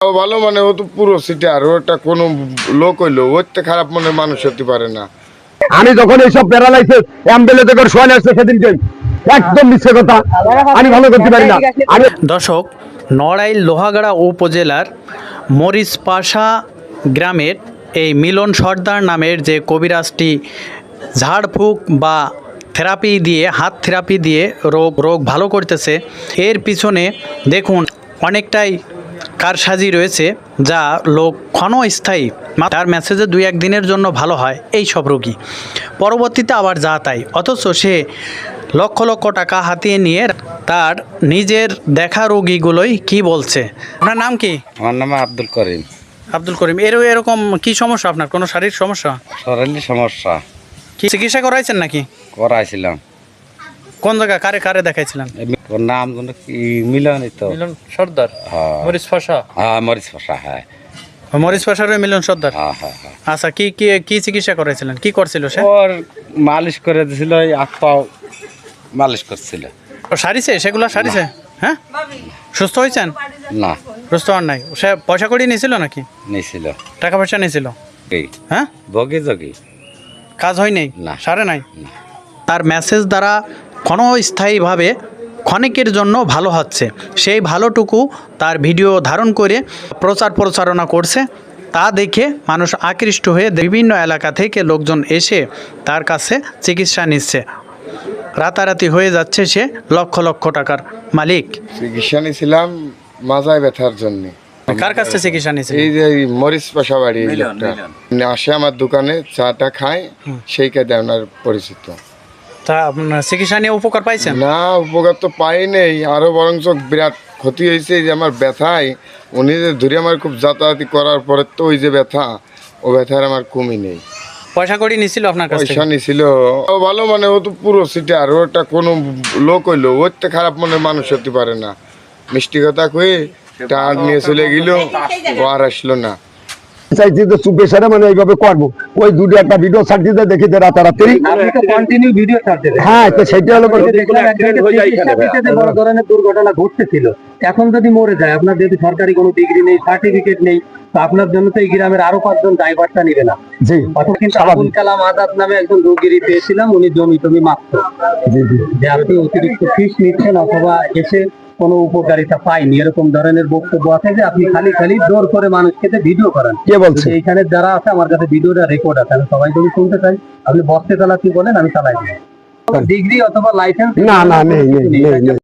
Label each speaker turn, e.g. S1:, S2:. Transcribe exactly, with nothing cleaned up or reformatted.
S1: ভালো মানে ও তো পুরো সিটার, ওটা কোনো লোক হইলো ওর তো খারাপ মনে মানুষ হতে পারে না।
S2: আমি যখন এইসব প্যারালাইসিস অ্যাম্বুলেন্সে করে শোয়া আসছে সেদিনকে একদম মিথ্যে কথা, আমি ভালো করতে পারি না। আমি
S3: দর্শক, নড়াইল লোহাগাড়া উপজেলার মরিচপাশা গ্রামের এই মিলন সর্দার নামের যে কবিরাজটি ঝাড়ফুঁক বা থেরাপি দিয়ে, হাত থেরাপি দিয়ে রোগ রোগ ভালো করতেছে, এর পিছনে দেখুন অনেকটাই কারসাজি রয়েছে, যা লোক ক্ষণস্থায়ী, তার মেসেজে দুই এক দিনের জন্য ভালো হয় এই সব রোগী, পরবর্তীতে আবার যা তাই, অথচ সে লক্ষ লক্ষ টাকা হাতিয়ে নিয়ে তার নিজের দেখা রোগীগুলোই কি বলছে। আপনার নাম কি?
S4: আমার নাম আব্দুল করিম।
S3: আব্দুল করিম, এর এরকম কি সমস্যা আপনার? কোনো শারীরিক সমস্যা?
S4: শরীরের সমস্যা।
S3: কি চিকিৎসা করাইছেন নাকি?
S4: করাইছিলাম।
S3: কোন জায়গা, কারে কারে দেখাইছিলেন?
S4: ওর নাম যেন কি মিলনই তো।
S3: মিলন সর্দার,
S4: হ্যাঁ।
S3: মরিচপাশা।
S4: হ্যাঁ, মরিচপাশা। হ্যাঁ,
S3: মরিচপাশার ওই মিলন সর্দার।
S4: হ্যাঁ, হ্যাঁ, হ্যাঁ।
S3: আচ্ছা, কি কি কি চিকিৎসা করাইছিলেন? কি করছিল সে?
S4: ওর মালিশ করে দিছিল, এই হাত পাও মালিশ করছিল।
S3: ও সারিছে, সেগুলো সারিছে? হ্যাঁ, সুস্থ হয়েছেন?
S4: না,
S3: সুস্থ হন নাই। সে পয়সা কড়ি নিয়েছিল নাকি?
S4: নিছিল।
S3: টাকা পয়সা নিয়েছিল?
S4: এই
S3: হ্যাঁ,
S4: বগি জগি
S3: কাজ হয় নাই,
S4: না।
S3: সারে নাই। তার মেসেজ দ্বারা ক্ষণস্থায়ীভাবে ক্ষণিকের জন্য ভালো হচ্ছে, সেই ভালোটুকু তার ভিডিও ধারণ করে প্রচার প্রচারণা করছে। তা দেখে মানুষ আকৃষ্ট হয়ে বিভিন্ন এলাকা থেকে লোকজন এসে তার কাছে চিকিৎসা নিচ্ছে। রাতারাতি হয়ে যাচ্ছে সে লক্ষ লক্ষ টাকার মালিক।
S1: চিকিৎসা নিয়েছিলাম মাজায় ব্যথার জন্য।
S3: কার কাছে চিকিৎসা নিয়েছে?
S1: এই যে মরিচ পাশা বাড়ি, এই লোকটা আসে আমার দোকানে, চাটা খায়, সেই কাজে আপনার পরিচিত।
S3: তা আপনার চিকিৎসা নিয়ে উপকার পাইছেন?
S1: না, উপকার তো পাই নেই, আরো বরঞ্চ বিরাট ক্ষতি হয়েছে। যে আমার ব্যথায় উনি যে ধরে আমার খুব যাতায়াতি করার পরে তো ওই যে ব্যথা, ও ব্যথার আমার কমই নেই।
S3: পয়সা কড়ি নিছিল আপনার কাছে?
S1: পয়সা নিছিল। ও ভালো মানে ও তো পুরো সিটার, ওটা কোনো লোক হইলো ওর তো খারাপ মনে মানুষ হতে পারে না। মিষ্টি কথা কয়ে টার নিয়ে চলে গেল, ও আর আসলো না।
S2: চাইছি যে চুপে সারা মানে এইভাবে করবো, ওই দুটো একটা ভিডিও ছাড় দিতে দেখি যে রাতারাতি। হ্যাঁ, তো সেটা হলো
S5: বড় ধরনের দুর্ঘটনা ঘটতেছিল। এখন যদি মরে যায়, আপনার যেহেতু সরকারি কোনো ডিগ্রি নেই, সার্টিফিকেট নেই, তো আপনার জন্য তো এই গ্রামের আরো পাঁচজন ড্রাইভারটা নিবে না।
S2: জি,
S5: অথবা কিন্তু আবুল কালাম আজাদ নামে একজন রোগীর পেয়েছিলাম, উনি জমি টমি মাপত।
S2: জি জি,
S5: যে আপনি অতিরিক্ত ফিস নিচ্ছেন অথবা এসে কোনো উপকারিতা পাইনি, এরকম ধরনের বক্তব্য আছে যে আপনি খালি খালি জোর করে মানুষকে ভিডিও করেন।
S2: কে বলছে?
S5: এইখানে যারা আছে আমার কাছে ভিডিওটা রেকর্ড আছে, আমি সবাই যদি শুনতে চাই, আপনি বসতে চালাচ্ছি বলেন, আমি চালাই দিই। ডিগ্রি অথবা লাইসেন্স
S2: না না, নেই নেই নেই নেই।